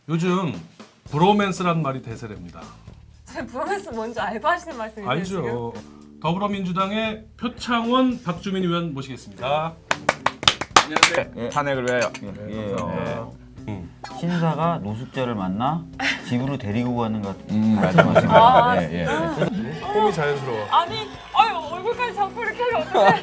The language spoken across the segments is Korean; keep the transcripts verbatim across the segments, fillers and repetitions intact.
요즘 브로맨스란 말이 대세랍니다. 선생님 브로맨스 뭔지 알고 하시는 말씀이세요? 알죠. 더불어민주당의 표창원 박주민 의원 모시겠습니다. 안녕하세요. 예. 탄핵을 위하여. 예. 감사합니다. 신사가 노숙자를 만나 집으로 데리고 가는 것 같은 음, 말씀하신 아, 거예요. 예, 예. 폼이 자연스러워. 아니, 아유 얼굴까지 잡고 이렇게 하면 어떡해?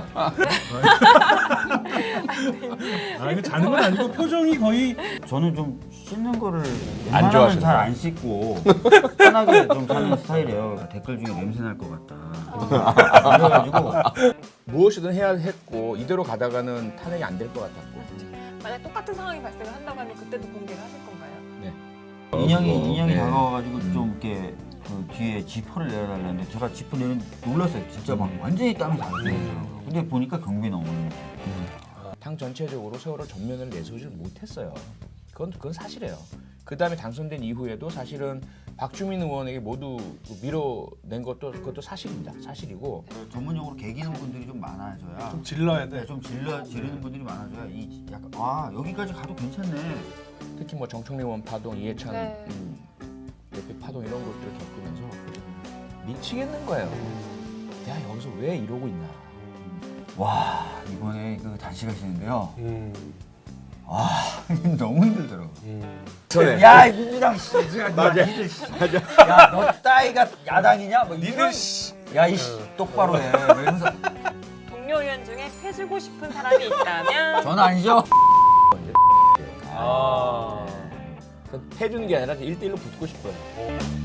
아 이거 자는 건 아니고 표정이 거의 저는 좀 씻는 거를 안 웬만하면 좋아하시는 잘 안 씻고 편하게 좀 사는 스타일이에요. 댓글 중에 냄새 날 것 같다. 그래가지고 무엇이든 해야 했고 이대로 가다가는 탄핵이 안 될 것 같았고. 만약 똑같은 상황이 발생을 한다고 하면 그때도 공개를 하실 건가요? 인형이 인형이 네. 다가와가지고 좀 이렇게 그 뒤에 지퍼를 내려달라는데 제가 지퍼 내는 놀랐어요. 진짜 막 완전히 땀이 나왔어요. 근데 보니까 경비 나오는 거. 당 전체적으로 세월호 전면을 내세우지 못했어요. 그건 그건 사실이에요. 그 다음에 당선된 이후에도 사실은 박주민 의원에게 모두 밀어낸 것도 그것도 사실입니다. 사실이고 전문용어로 개기는 분들이 좀 많아져야 좀 질러야 네, 돼. 좀 질러 지르는 분들이 많아져야 이 약간 아 여기까지 가도 괜찮네. 특히 뭐 정청래 의원 파동, 이해찬 네. 음, 대표 파동 이런 것들을 겪으면서 미치겠는 거예요. 내가 여기서 왜 이러고 있나. 와 이번에 그 단식하시는데요. 음, 와 너무 힘들더라고. 음. 전에 야 민주당 씨, 맞아, 니들 씨, 야너 따위가 야당이냐? 뭐 니들 씨, 야이 씨 똑바로 해. 이러면서 동료 의원 중에 패주고 싶은 사람이 있다면 전 아니죠. 아. 해주는 게 아니라 일대일로 붙고 싶어요.